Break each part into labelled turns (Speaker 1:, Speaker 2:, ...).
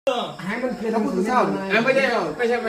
Speaker 1: ให้มันคือพระพุทธเจ้า
Speaker 2: ไม่ใช่ไม่ใช่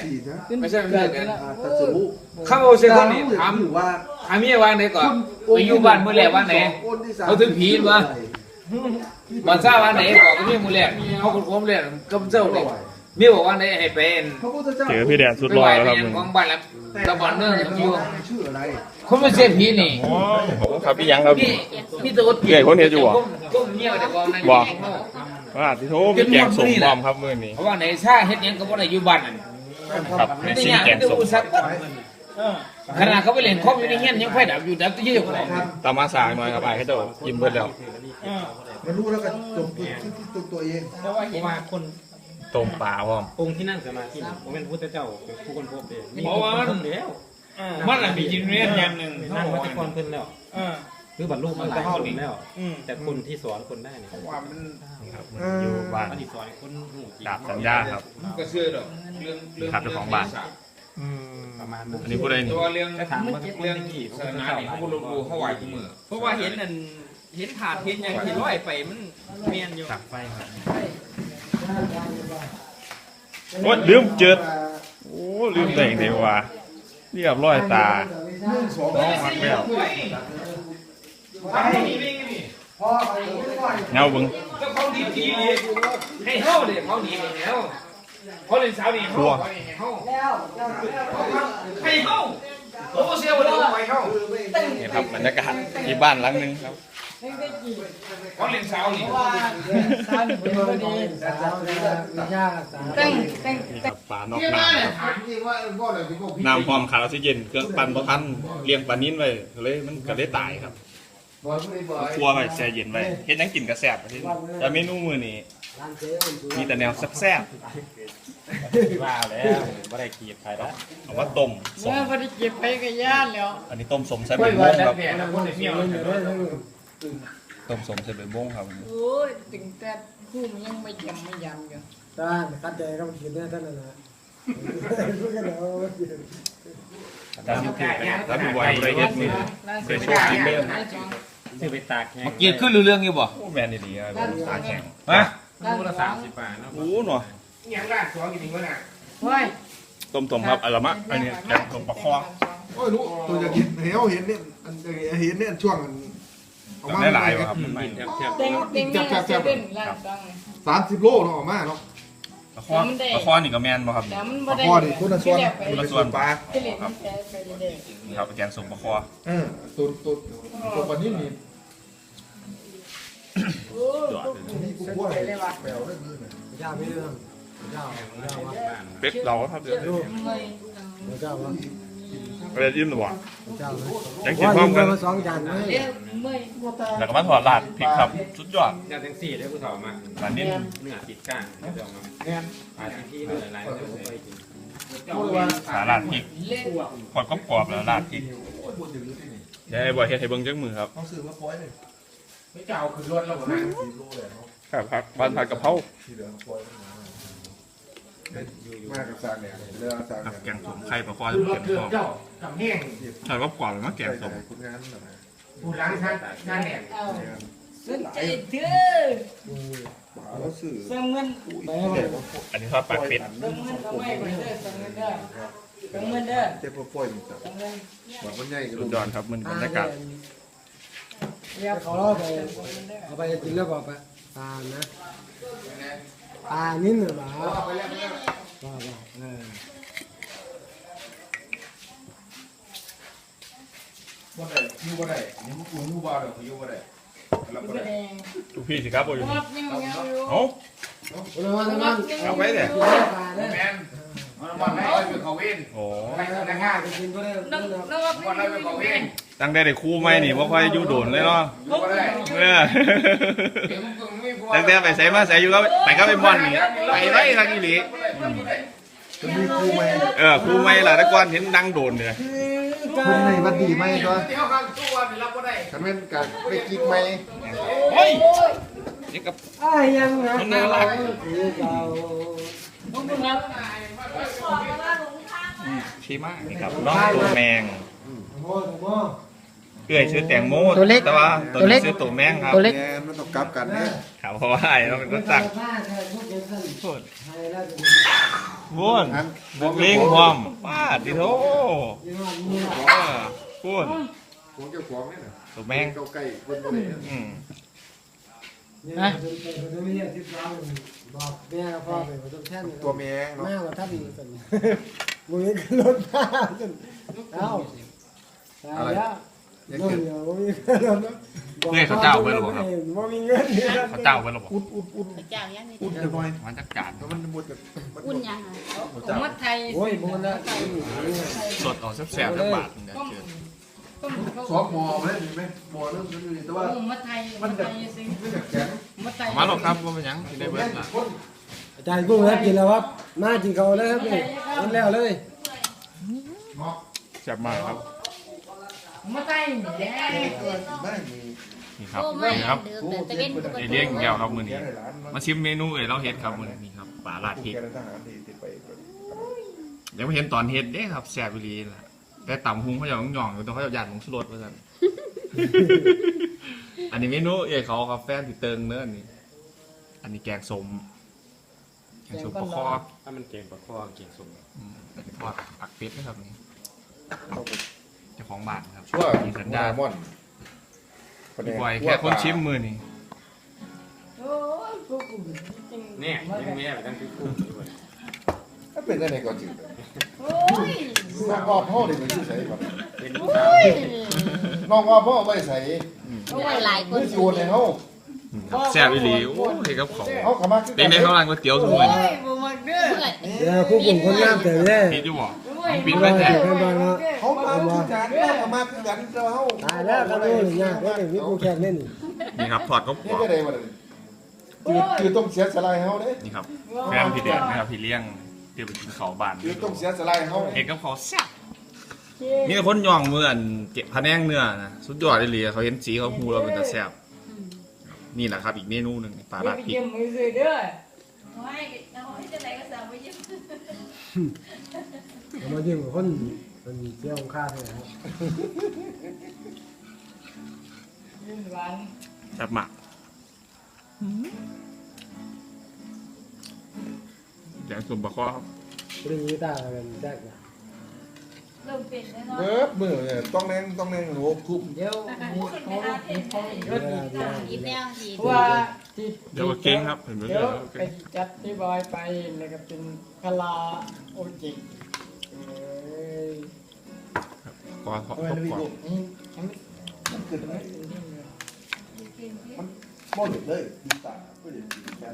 Speaker 2: เข้าเสียคนนี่ถาม
Speaker 1: ว่า
Speaker 2: เมียวางไหนก่อนไปอยู่บ้านเมื่อแรกวางไหนเขาถึงผีวะบ้านซ่าวางไหนบอกกับเมียมือแรกเขาคนโค้งแรกก็เจ้าเลยเมียบอกว่าไหนให้เป็น
Speaker 3: เจอพี่แดนสุดหล่อแล้วครับมึง
Speaker 2: ของบ้านแล้วตะบอนเนื่องอยู่คนไม่เสียผีนี่
Speaker 3: ผมครับพี่ยังครับ
Speaker 2: พี่ตัวเกี่
Speaker 3: ยคนเห็นอยู่
Speaker 2: ก้มเงี้ยวแต่ความนั้น
Speaker 3: บอกว่าที่โทษพี่แกงสมบอมครับมือนี้
Speaker 2: เพราะว่าไหนซ่าเฮ็ดยังก็บ่ได้อยู่บ้านนั่น
Speaker 3: ครับในซีแกงสม
Speaker 2: ขนาดเขาไปเล่นคอมอยู่ในเงี้ยยังไฟดับอยู่ดับที่เยอะกว่า
Speaker 3: ตามมาสายหน่อยครับไอ้เขาจะยิ้มเบิดแล้ว
Speaker 1: มันรู้แล้วกันจบที่ตัวเอง
Speaker 4: เพราะว่าคน
Speaker 3: ต้มปลาพร้อม
Speaker 4: องค์ที่นั่งสมาธิผมเป็นพุทธเจ้าผู้คนพบเอง
Speaker 2: เพราะว่ามัน
Speaker 4: แล้ว
Speaker 2: มันอะไรมีจินเรียนอย่างหนึ่ง
Speaker 4: นั่งวัตถุกรเพิ่นแล้วหรือบรรลุมาหลายคนแล้วแต่คนที่สอนคนได้เนี่ย
Speaker 2: ว่ามัน
Speaker 3: อยู่บ้าน
Speaker 4: ที่สอนคน
Speaker 3: ดาบสัญญาครับ
Speaker 2: ก็เชื่อหรอกเรื่อง
Speaker 3: ครับเจ้าของบ้าน
Speaker 4: ประมาณ
Speaker 3: อันนี้พูดได้
Speaker 2: ตัวเรื่องศาสนาเนี่ยเขาบุรุษเขาไหวทุกมือ
Speaker 5: เพราะว่าเห็นนั่นเห็นถาดเห็นอย่างที่ร้อยไปมันเมียนอยู่
Speaker 3: ตักไฟครับโอ้ลืมเจิดโอ้ลืมแต่งเทวาเรียบร้อยตาน้องมักแล้วเงาบึง
Speaker 2: ก็เขาดีดีเลยให้เข้าเลยเขาหนีไปแล้วเขาเล่นสาวนี่เขาให้เข้าโอ้เสียวเลยไปเข้า
Speaker 3: นี่ครับบรรยากาศที่บ้านหลังนึงครับ
Speaker 2: เขาเล่นสาวนี่
Speaker 3: ปลานอกน้ำพร้อมขาดออกซิเจนเครื่องปั่นบ่ทันเลี้ยงปลานิ่นไว้เลยมันก็ได้ตายครับครัวไว้แช่เย็นไว้เฮ็ดยังกินกระแสบแต่เมนูมื้อนี้มีแต่แนวแซ่บ
Speaker 4: ๆว่าแล้วบ่ได้กีบใครแล้ว
Speaker 3: เอาว่าต้ม
Speaker 5: สมบ่ได้เก็บไปก็ย่านแล้ว
Speaker 3: อันนี้ต้มสมใส่ใบม่วงครับต้มสมใส่ใบม่วงครับ
Speaker 5: โอ้ยถึงแต่คู่มันยังไม่ยำอยู่
Speaker 1: ท่านคัดใจก็มันกินได้ท่านนั่นแหละรู้กันแล้ว
Speaker 3: ถ้ามีไวอะไรเฮ็ดมือเคยโชว์กินเล่น
Speaker 4: ซื้อไปตากแห้ง
Speaker 2: เกียร์ขึ้นเรื่องอยู่บ่
Speaker 3: แมนดีๆตาแข็ง
Speaker 2: ฮะ
Speaker 4: มูล30 บาทเนาะ
Speaker 3: โอ้หน่อย
Speaker 2: ยังราดสองกินวะน่ะ
Speaker 5: เฮ้ย
Speaker 3: ต้มครับอะไรมะอันนี้แกงต้มปลาคอ
Speaker 1: โอ้ยรู้ตัวจะกินเห็นเนี่ยอันเห็นเนี่ยช่วง
Speaker 3: ได้หลายว่ะครับมัน
Speaker 1: 30 โลเนาะออกมาเนาะ
Speaker 3: ปลาคอนี่ก็แมนบ่ครับ
Speaker 1: ปลาคอนี่คนละส่วน
Speaker 3: ปลาครับแกงส้มปลาคอ
Speaker 1: ตัวปลานิ่มนี่
Speaker 3: เป็ดเราครับเดี๋ยวอะไรยิ้มหรือวะยังกินพร้อมกันแล้วก็มาถอดลาดพริกครับสุดยอด
Speaker 4: อย่างทั้ง4ได้ผู้ถอดมา
Speaker 3: ร้านนี้
Speaker 4: เนื้อติดก้างเดี๋ยวมาปลาที่เนื้อลายเนื้อไปกิน
Speaker 3: ขาลาดพริกกดกรอบแล้วลาดพริกเดี๋ยวไอ้บอยเฮ็ดให้เบิ้งจังมือครับ
Speaker 1: ต้องซื้อมาปล่อยเลย
Speaker 2: ไม่เจ้าคือรถเรา
Speaker 3: ครับบ้านผัดกะเพรา
Speaker 1: มากับซากเนี่ยเรือซากเนี่ย
Speaker 3: แกงส้มไข่ปลาคอจะเก็บของ
Speaker 2: ทำแห้ง
Speaker 3: ใช่ก็กรอบเลยมั้งแกงส้ม
Speaker 2: ผู้ล้างชั้นงานแหน
Speaker 5: สนใจเถอะเสมือน
Speaker 3: อันนี้ทอดปลาเป็ด
Speaker 5: เสมือนก็ไม่ไปเด้อเสมือนเด้อเสมือนเด้อ
Speaker 1: เจ็บปวดมันแบบมันใหญ่กัน
Speaker 3: สุดยอดครับมันบรรยากาศ
Speaker 1: เรียกเขาล่อไปเอาไปกินแล้วบอกไปปลานะปลานิ่มหรือเปล่าว่าได้ยูว่าได้นี่มันกูยูว่าเดี๋ยวเขายูว่าได้
Speaker 3: ทุกพี่สิครับโอ้ย
Speaker 1: เอา
Speaker 3: เอาไปเลย
Speaker 2: แมนวันไหนเป็นเขาเว้น
Speaker 3: โอ้
Speaker 2: แต่ง่ายจะกินก็ได้วันไหนเป็นเขาเว้น
Speaker 3: ตั้งได้แต่คู่ไหมนี่ว่าค่อยอยู่โดนเลยเนาะตั้งแต่ไปใส่มาใส่อยู่ก็ไปก็ไปม่อนนี่ไปไว้ทางอีหลี
Speaker 1: จะมีคู่ไหม
Speaker 3: คู่ไหมล่ะตะกอนเห็นดังโดนเลย
Speaker 1: คุณในวันดีไหมก็ฉันเป็นการไปกิ๊กไหม
Speaker 3: เฮ้ยนี่กับมันน่ารักชีมากนี่ครับน้องตัวแมงเอื้อยชื่อแตงโม
Speaker 1: ตัวเล็ก
Speaker 3: แต่ว่าตัว
Speaker 1: ตัวเล็
Speaker 3: นี้
Speaker 1: ก
Speaker 3: ชื่อตัวแมงครับ
Speaker 1: ตัวเล็ก
Speaker 6: แม่มันต้องกลับกันเนี่ย
Speaker 3: ครับเพราะว่าไอ้เราเป็นคนสั่งพูดพูดเลี้ยงความป้าดิโถพูด
Speaker 6: ของเจ้าของนี่น่ะ
Speaker 3: ตัวแมง
Speaker 6: เจ้าไก่คนบ่ได้เนี่ย
Speaker 3: อืม
Speaker 1: นะบอกแม่กับพ่อไปผสมแท่น
Speaker 6: ตัวแมงเนาะ
Speaker 1: แม่ว่าถ้ามีสันมือขึ้นรถมาจนเอ้าตายแล้วเดี๋ยวมีเงินแล้ว
Speaker 3: เอื้อยเขาเจ้าไว้หรอครับ
Speaker 1: ว่ามีเงินเนี่ย
Speaker 3: เขาเจ้าไว้หรอบอก
Speaker 6: อุ่น
Speaker 5: เจ้ายังนี่
Speaker 6: อุ่นจะหน่อย
Speaker 3: มันจักจาน
Speaker 6: แล้วมันหมดกับมัน
Speaker 5: อุ่นยังอ่ะ
Speaker 6: จ้า
Speaker 5: มัดไทย
Speaker 1: โอ้ยบุญนะ
Speaker 3: สดออกแซ่บๆทั้งบาทเนี่ยเชิญ
Speaker 6: ซอฟหมอมาได้ไหมหมอเรื่องนี้แต่ว่า
Speaker 5: มัดไทยมัดไทยสิ
Speaker 6: ไม่แบบแข็ง
Speaker 5: มัดไทย
Speaker 3: มาหรอกครับว่าเป็นหยังที่ได้เบิร์ดล่ะ
Speaker 1: อาจารย์กุ้งครับกินแล้วครับมากินเขาแล้วครับนี่กินแล้วเลย
Speaker 3: แซ่บมากครับ
Speaker 5: มัดไทยแย่
Speaker 6: ไม่มี
Speaker 3: นี่ครับ
Speaker 5: โอ้ไม่
Speaker 3: นี่ครับ
Speaker 5: เดือดแต่เป็นปก
Speaker 3: ไอ
Speaker 5: ติ
Speaker 3: เลี้ยงแก้วครับมือนี้
Speaker 6: แกได้หลาน
Speaker 3: มาชิมเมนูเราเฮ็ดครับมือนี้ครับปลาลาดพริก
Speaker 6: แกได้ทหารที่ติดไป
Speaker 3: ยังไม่เห็นตอนเฮ็ดเด้ครับแซ่บอีหลีล่ะแต่ต่ำหุงเขาจะหย่องๆอยู่แต่เขาจะหยาดผงชูรสว่าซั่น อันนี้เมนูเอ้ยเขาครับแฟนติเติงเนื้ออันนี้อันนี้แกงส้มปลาคอ
Speaker 4: ถ้ามันเก่งกว่าข้อเก่งสุด
Speaker 3: ทอดผักเป็ดนะครับนี่เจ้าของบ้านครับ
Speaker 6: ชั่ว
Speaker 3: มีสัญญา
Speaker 6: ม่อน
Speaker 3: พี่บอยแค่คนชิมมือนี่
Speaker 5: โอ้ยพวกกูจริง
Speaker 4: เนี่ยยังแม่ไปตั้งที่คู่ด้วย
Speaker 6: ถ้าเป็นได้ไหนก็จืด
Speaker 5: โอ้ย
Speaker 6: น้องอ้อพ่อเด็กมันอยู่ใส่ก่อน
Speaker 4: เป็น
Speaker 5: โอ้ย
Speaker 6: น้องอ้อพ่อไม่ใส่
Speaker 5: โอ้ยหลายคน
Speaker 6: ไม่โยนให้เขา
Speaker 3: แซ่บอีหลีโอ้ยครับของ
Speaker 6: เขาขมัก
Speaker 3: เป็นในข้าวร้านก๋วยเตี๋ยวทุกมื้อนี่
Speaker 5: บ่มักเด้อ
Speaker 1: เดี๋ยวคู่กลุ่มคนงามแต่เนี่ย
Speaker 3: คิดอยู่บ่
Speaker 5: โอ้ย
Speaker 3: ปิดไว้แท้
Speaker 6: เขามาคือกันเขามาคือกันเราเขา
Speaker 1: ตายแล้วครับนี่ยากเลยนี่กูแข่งเล่นนี่
Speaker 3: นี่ครับทอดกรอบ
Speaker 6: นี่ก็ได้มาเลยคือต้องเสียสลายเขาเด้
Speaker 3: ๆนี่ครับแฟนพี่เด็กนะครับพี่เลี้ยงเดี๋ยวไปกินข้าวบ้าน
Speaker 6: คือต้องเสียสลายเขา
Speaker 3: เอกกับเขาวแซ่บมีแต่คนย่องมืออันเก็บพะแนงเนื้อนะสุดยอดเลยเขาเห็นสีเขาฮูเราเป็นตาแซ่บนี่แหละครับอีกเมนูหนึ่งปลา
Speaker 5: อย่า
Speaker 3: ลาด
Speaker 5: ไป
Speaker 3: พริก
Speaker 5: เยี่ยมมือซื้อเด้อ
Speaker 7: ไม่เอาให้จะไหนก็สั่งไปเยี่ยม
Speaker 1: มายิ่งกว่าคนมันเที่ยวค่าเลยครับ
Speaker 5: ยิ้มหวาน
Speaker 3: แซ่บมากแกงส้มปลาคอครับ
Speaker 1: เรื่องนี้ตาเป็นแจ๊กนะ
Speaker 7: เริ่มเป็นแล้วเนาะ
Speaker 6: เบิบมือเนี่ยต้องแรงโหทุบ
Speaker 5: เดี๋ยวมีเขามีเขาอีกรถอีก
Speaker 7: ยิ้มแล้วยิ้ม
Speaker 5: เพราะว่าที่
Speaker 3: เดี๋ยวก็เก่งครับเห็นไหม
Speaker 5: เดี๋
Speaker 3: เดี๋
Speaker 5: ย
Speaker 3: ยว วก็
Speaker 5: ไป
Speaker 3: เก่ง
Speaker 5: จัดที่บอยไปแล้วก็เป็นคาราโอเกะ
Speaker 3: กอทอด
Speaker 6: ทำไม
Speaker 3: กรอบ
Speaker 6: ไม่
Speaker 3: กรอบ
Speaker 6: ดูมันเกิดอะไรมันมอดเลยดีตาไม่ได้ดีแค่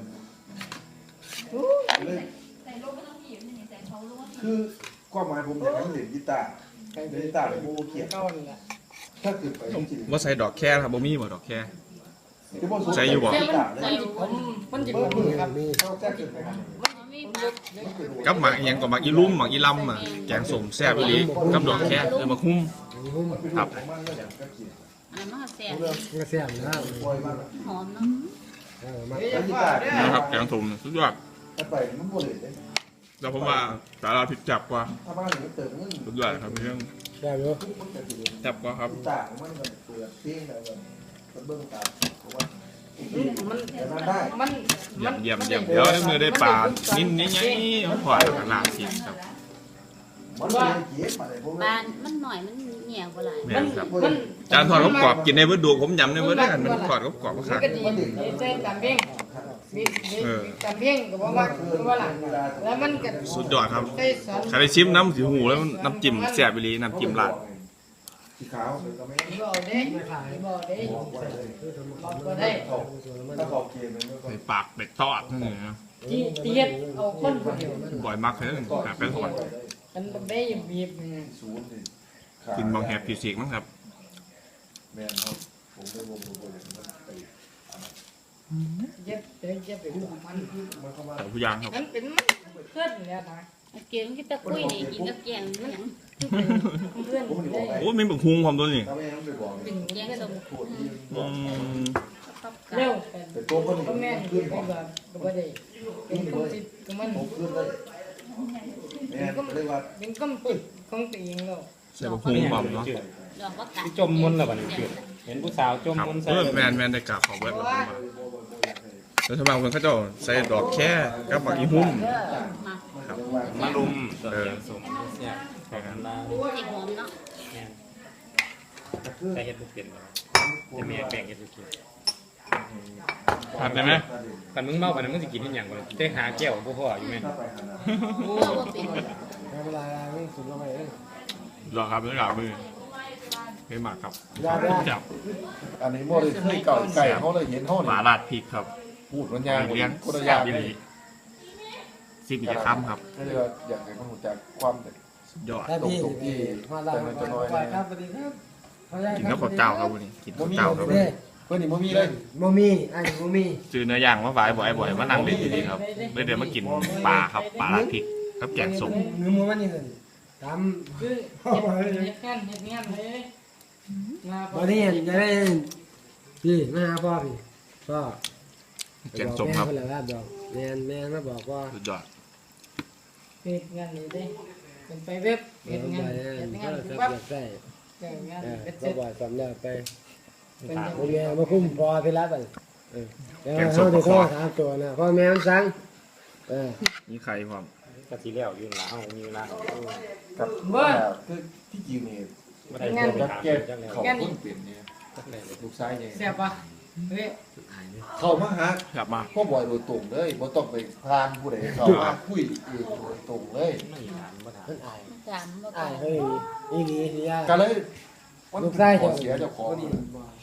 Speaker 6: เลย
Speaker 7: ใส่ลงไม่ต้องยิ้มนี่ใส่เขาลง
Speaker 6: คือความหมายผมอยากให้มันเล่นกีตาร์เล่นกีตาร์เลยโมเขียน
Speaker 5: ก้อนแหละ
Speaker 6: ถ้าเกิดไปจริง
Speaker 3: ว่าใส่ดอกแค่ครับบ่มีบ่ดอกแค่
Speaker 6: ๆที่ว่า
Speaker 3: ใส่อยู่บ่
Speaker 6: กีตาร์เลย
Speaker 5: ผมมันจะ
Speaker 6: เบิ
Speaker 5: เป็
Speaker 6: บ
Speaker 5: น
Speaker 6: มือ
Speaker 5: ครับ
Speaker 6: เขาแจ้งเกิดไปครับ
Speaker 7: มีปลา
Speaker 3: กับหมักอหยังกับหมักอีลุ่มหมักอีลำอ่ะแกงส้มแซ่บอีหลีกับดอกแค่มาคุ้ม ครับ
Speaker 6: ของมันก็อย่างก็เขียน
Speaker 7: อันนั้นมันแสบ
Speaker 6: เรื่อง
Speaker 1: กระเสียมนะ
Speaker 6: ปล่อยมัน
Speaker 7: หอมเนาะ
Speaker 1: มา
Speaker 6: แล้วกีตาร์
Speaker 3: นะครับแกงส้มสุดยอด
Speaker 6: ถ้าไปมันโมเลยเลย
Speaker 3: แล้วผมว่าสาราผิดจับกว่า
Speaker 6: ถ้าบ้านมันเติมเงิน
Speaker 3: สุดยอดครับเรื่อง
Speaker 1: ได้ไหม
Speaker 6: มันจะถือ
Speaker 3: จับกว่าครับ
Speaker 6: กีตาร์มันก็เปิดเพลงแล้วก็เบิ้งตามผมว่า
Speaker 5: มัน
Speaker 6: แต่มันได้
Speaker 5: มัน
Speaker 3: เยี่ยมเดี๋ยวได้มือได้ปลานิ่มนี่ๆพอขนาดสิครับ
Speaker 6: มันไม่ได้เก็บมาเลยผม
Speaker 7: ปลามันหน่อยมันเหนียวกว่าหลาย
Speaker 3: แม่นครับ
Speaker 5: มัน
Speaker 3: จานทอดกรอบกินในเบิดดูผมยำในเบิดได้กันมันทอดกรอบก็
Speaker 5: มั
Speaker 3: ขาน ด
Speaker 5: ก็ดีเส้นตำเพ่งมีตำเพ่งก็บอกว่าว่าหลังแล้วมันก็
Speaker 3: สุดยอดครับ
Speaker 5: ใส่สอน
Speaker 3: ใครได้ชิมน้ำสีหูแล้วน้ำจิ้มแซ่บไปเลยน้ำจิ้มราด
Speaker 6: สีขาวก็ไม่
Speaker 5: บ่ได้บ่ได้
Speaker 6: บอกไว้เลย
Speaker 5: บ่ได้
Speaker 6: ถ้าขอบเกมมันก็
Speaker 3: ใส่ปากเป็ดทอดนั่นเองนะ
Speaker 5: ที่เตียดเอาคนผู้เดียว
Speaker 3: บ่อยมากเลยแบบเป็นทอด
Speaker 5: มันบ่ได้บีบ
Speaker 6: ศูนย์นี่
Speaker 3: กินบางแฮปปี้สิกมั้งครับ
Speaker 6: แม่นครับผมได้วงมือเลยมันไป
Speaker 5: เย็บเดี๋ยวเย็บไปดูมัน
Speaker 6: มันเข้ามา
Speaker 3: แต่ผู้ยางครับ
Speaker 5: มันเป็นมันเพื่อนเนี่ยนะ
Speaker 7: เกี่ยวกับตะกุ้ยนี่กินกับแกงนี่หยัง
Speaker 5: เพื่อน
Speaker 6: ผมไม่ได้บอก
Speaker 5: ได้
Speaker 6: ไป
Speaker 3: โอ้ยมีบักฮุงความตัวนี้
Speaker 6: ถ้าไม่งั้นไปบอก
Speaker 5: เป็น
Speaker 7: แกงส้ม
Speaker 6: ปวดที่บ
Speaker 3: อื
Speaker 6: อก
Speaker 3: ม
Speaker 7: กับ
Speaker 5: เร็ว
Speaker 6: แต่ตัวคน
Speaker 5: ก็แม่น
Speaker 6: ขึ้น
Speaker 5: ไปแบบบ่ได้เป็นคำติดของมัน
Speaker 6: ผมขึ้นเลยแม่เลยว่า
Speaker 5: เป็นคำติดของตัวเองแล้ว
Speaker 3: ใส่บักฮุงความเนาะ
Speaker 6: เ
Speaker 7: ดอกว่ากัด
Speaker 4: ที่จมมนต์แล้วบัดนี้คือเห็นผู้สาวจม
Speaker 3: ครับ
Speaker 4: มนต์ใส่
Speaker 3: แมนได้กราบขอเบิดแล้วผมว่าแล้วชาวบ้านเพิ่นเขาเจ้าใส่ดอกแค่กับบักอีหุ่ม
Speaker 7: มา
Speaker 3: ครับ
Speaker 4: มาลุมเสียงสมเนี่ยขอบคุณนะ
Speaker 7: จิกหอมเนาะ
Speaker 4: เนี่ยใส่เฮ็ดบ่เป็นบ่จะแม่แบ่งเฮ็ดบ่กิน
Speaker 3: ทานได้ไหม
Speaker 4: คันมึงเมาปานนั้นมึงสิกินอีหยังบ่ได้หาแก้วบ่พออยู่แม่น
Speaker 7: เมื่อว่าเป็น
Speaker 1: ไม่เป็นไรไม่สุดลงไปเอง
Speaker 3: รอครับเรื่องกับมือไม่หมักครับ จับ
Speaker 6: อันนี้โมเลยเคยเก่าไก่เขาเลยเห็นเขา
Speaker 3: ห
Speaker 6: เนี่
Speaker 3: มาย ลาดพริกครับ
Speaker 6: พูดมันยาง
Speaker 3: เลี้ยง
Speaker 6: คนละ
Speaker 3: แซ่
Speaker 6: ยา
Speaker 3: บ
Speaker 6: ง
Speaker 3: อีหลีซิบอีกคำครับ
Speaker 6: ก็เลยว่าอยากให้มันรู้จักความ
Speaker 3: ยอด
Speaker 1: ได้พี่มาลาครับสวัสดีครับ
Speaker 3: กินข้าวเจ้าครับวันนี้กินข้าวเจ้าครับ
Speaker 1: เด้
Speaker 6: เพื่อนนี่บ่มีเลย
Speaker 1: โมมี่ไอ้โมมี่
Speaker 3: ซื้อเนื้อย่างมาฝายบ่อยๆมานั่งเล่นดีๆครับเลยเดี๋ยวมากินปลาครับปลาลาดพริกครับแกงส้ม
Speaker 1: เนื้อหมูมันนี่เลยตาม
Speaker 5: คือเฮ็ดงานเลยงา
Speaker 1: วันนี้จะได้พี่มาหาพ่อพี่พ่อ
Speaker 3: แกงส้มครับ
Speaker 1: แม่เลยครับบอกแม่มาบอกว่า
Speaker 3: สุดยอด
Speaker 5: เฮ็ดงานนี่เด้เป็นไปเว็บเฮ็ดงาน
Speaker 1: ก็
Speaker 5: ปั๊บ
Speaker 1: ใส่
Speaker 5: เฮ็ดงาน
Speaker 1: ก็
Speaker 5: เสร็จ
Speaker 1: บ่อยสำเร็จไป
Speaker 5: เป็น
Speaker 1: โรงเรียนมาคุ้มพอพี่รับไปแล้วเขาจะโทษถามตัวนะพ่อแม่มันสั่ง
Speaker 3: นี่ใครความ
Speaker 4: ก็สิแล้วอยู่ล่ะเฮามีเวลา
Speaker 6: กับคือที่จริงนี่
Speaker 4: บ่ได้
Speaker 5: งาน
Speaker 6: จักแก้
Speaker 4: จังแล้ว
Speaker 6: เขาคนเปลี่ยนเนี่ยลูกชายเนี่ย
Speaker 5: แซ่บป่ะเฮ้ย
Speaker 6: เขามาหาก
Speaker 3: ลับมา
Speaker 6: พ่อบ่อยโดยตรงเลยบ่ต้องไปพานผู้ใดเขามาคุยเองโดยตรงเลย
Speaker 4: ไม่ถามบ่ถาม
Speaker 1: มันอาย
Speaker 7: ถามว่า
Speaker 1: อายเฮ้ยนี่นี่สิยา
Speaker 6: ก็เลย
Speaker 1: ลูกชาย
Speaker 6: ขอเสียเจ้าของ
Speaker 1: ดี